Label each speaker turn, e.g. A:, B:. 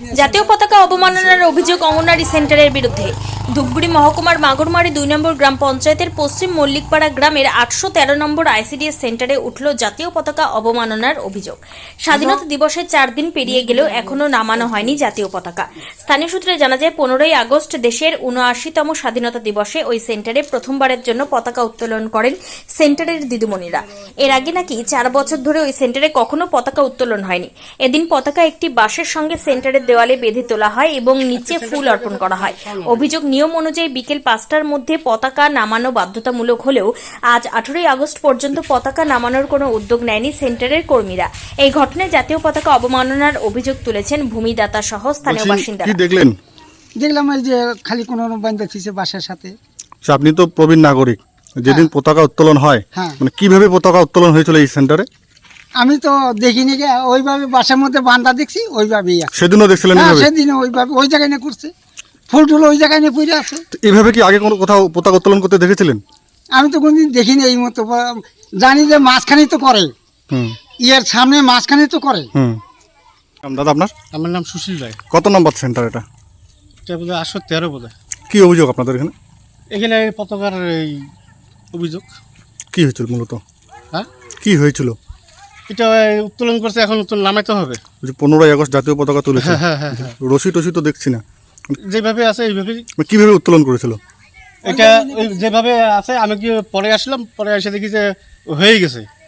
A: জাতীয় পতাকা অবমাননার অভিযোগ অঙ্গনওয়াড়ি সেন্টারের বিরুদ্ধে। ধূপগুড়ি মহকুমার মাগুরমারি 2 নম্বর গ্রাম পঞ্চায়েতের পশ্চিম মল্লিকপাড়া গ্রামের 813 নম্বর আইসিডিএস সেন্টারে উঠল জাতীয় পতাকা অবমাননার অভিযোগ। স্বাধীনতা দিবসের 4 দিন পেরিয়ে গেলেও এখনও নামানো হয়নি জাতীয় পতাকা। স্থানীয় সূত্রে জানা যায় 15 আগস্ট দেশের 79তম স্বাধীনতা দিবসে ওই সেন্টারে প্রথমবারের জন্য পতাকা উত্তোলন করেন সেন্টারের দিদিমণিরা। এর আগে নাকি 4 বছর ধরে ওই সেন্টারে কখনো পতাকা উত্তোলন হয়নি। এদিন পতাকা একটি বাঁশের সঙ্গে সেন্টারের দেওয়ালে বেঁধে তোলা হয় এবং নিচে ফুল অর্পণ করা হয়। অভিযোগ, নিয়ম অনুযায়ী বিকেল 5টার মধ্যে পতাকা নামানো বাধ্যতামূলক হলেও আজ 18 আগস্ট পর্যন্ত পতাকা নামানোর কোনো উদ্যোগ নেয়নি সেন্টারের কর্মীরা। এই ঘটনায় জাতীয় পতাকা অবমাননার অভিযোগ তুলেছেন ভূমিদাতা সহ স্থানীয় বাসিন্দারা।
B: কি দেখলেন?
C: দেখলাম এই যে খালি কোনো বান্ধা থিছে বাসার সাথে।
B: আপনি তো প্রবীণ নাগরিক, যেদিন পতাকা উত্তোলন হয় মানে কিভাবে পতাকা উত্তোলন হয়েছিল এই সেন্টারে?
C: আমি তো দেখিনি, ওইভাবে বাসার মধ্যে বান্ধা দেখছি, ওইভাবেই আছে।
B: সেদিনও দেখছিলেন?
C: সেদিনও ওইভাবে ওই জায়গায় নিয়ে করছে, ফুল টুল ওই জায়গায় নিয়ে পড়ে আছে।
B: এইভাবে কি আগে কোনো কোথাও পতাকা উত্তোলন করতে দেখেছিলেন?
C: আমি তো কোনদিন দেখিনি এই মতো। জানি যে মাঝখানেই তো করে, ইয়ের সামনে মাঝখানে তো করে।
B: দাদা আপনার?
D: আমার নাম সুশীল রায়।
B: কত নম্বর সেন্টার এটা?
D: এটা বোধ হয় 813 বোধ হয়।
B: কি অভিযোগ আপনাদের এখানে?
D: এখানে পতাকার এই অভিযোগ।
B: কি হয়েছিল মূলত?
D: হ্যাঁ,
B: কি হয়েছিল?
D: এটা উত্তোলন করছে, এখন উত্তোলন নামাইতে হবে।
B: 15 আগস্ট জাতীয় পতাকা তুলেছে,
D: হ্যাঁ,
B: রশি টসি তো দেখছি না।
D: যেভাবে আছে এইভাবেই।
B: কিভাবে উত্তোলন করেছিল?
D: এটা যেভাবে আছে, আমি কি পরে আসলাম, পরে এসে দেখি যে হয়ে গেছে।